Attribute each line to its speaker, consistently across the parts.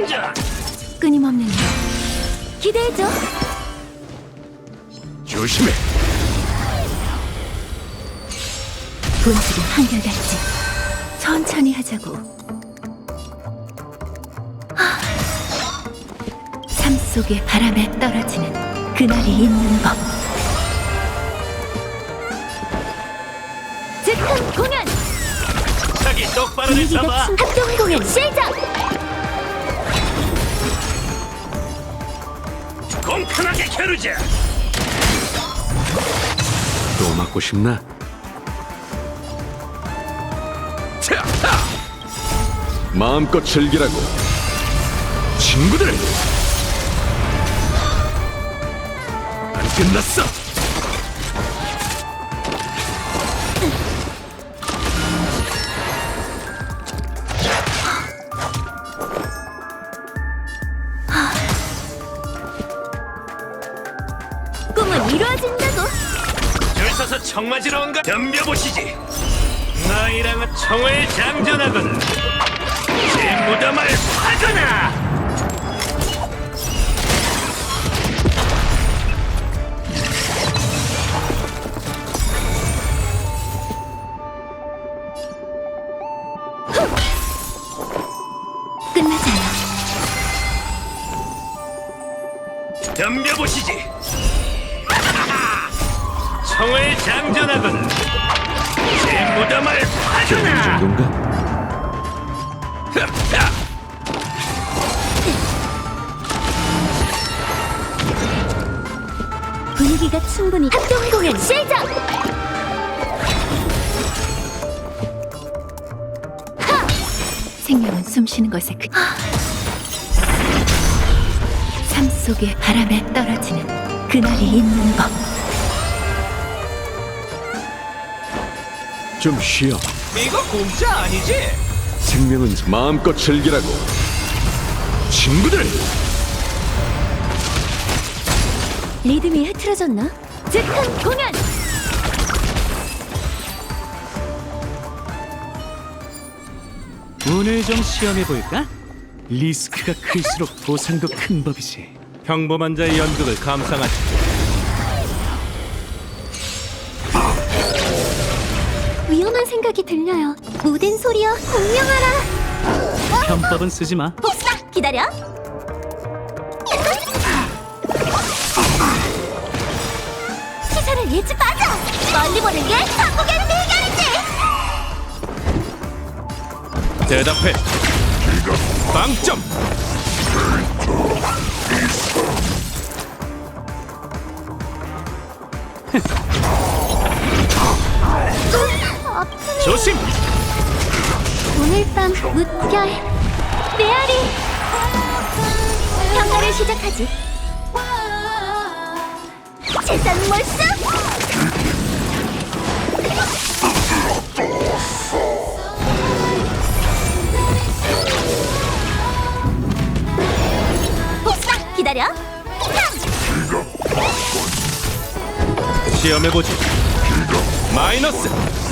Speaker 1: 장전!
Speaker 2: 끊임없는 일 기대해줘.
Speaker 1: 조심해!
Speaker 2: 본질은 한결같지. 천천히 하자고. 삶 속의 바람에 떨어지는 그날이 있는 법. 즉흥 공연!
Speaker 1: 자기 똑바로 좀
Speaker 2: 분위기가
Speaker 1: 잡아!
Speaker 2: 합동 공연 시작!
Speaker 1: 공평하게 겨루자! 또 맞고 싶나? 자, 마음껏 즐기라고 친구들! 안 끝났어!
Speaker 2: 꿈은 이루어진다고.
Speaker 1: 줄 서서 청 맞으러 온가? 덤벼보시지! 너희랑은 청을 장전하거나 제 무덤을 파거나!
Speaker 2: 끝나지 않아.
Speaker 1: 덤벼보시지! 청을 장전하거나 제 무덤을 파거나! 정도인가?
Speaker 2: 분위기가 충분히 합동 공연 시작! 생명은 숨쉬는 것에 삶 속의 바람에 떨어지는 그날이 있는 법.
Speaker 1: 좀 쉬어.
Speaker 3: 이거 공짜 아니지?
Speaker 1: 생명은 마음껏 즐기라고 친구들!
Speaker 2: 리듬이 흐트러졌나? 즉흥 공연!
Speaker 3: 오늘 좀 시험해볼까? 리스크가 클수록 보상도 큰 법이지. 평범한 자의 연극을 감상하지.
Speaker 2: 위험한 생각이 들려요. 모든 소리여 공명하라.
Speaker 3: 편법은 쓰지 마.
Speaker 2: 복사! 기다려. 시선을 잃지 마자. 멀리 보는 게 한국의 비결이지.
Speaker 3: 대답해. 빵점. 조심.
Speaker 2: 오늘 밤 무결 메아리 평가를 시작하지. 재산 몰수 복사 기다려.
Speaker 3: 시험해보지. 마이너스.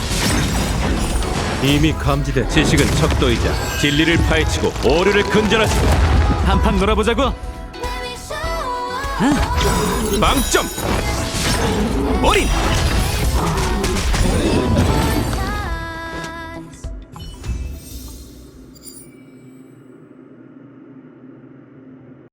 Speaker 3: 이미 감지된 지식은 척도이자 진리를 파헤치고 오류를 근절하지. 한판 놀아보자고. 빵점. 올인.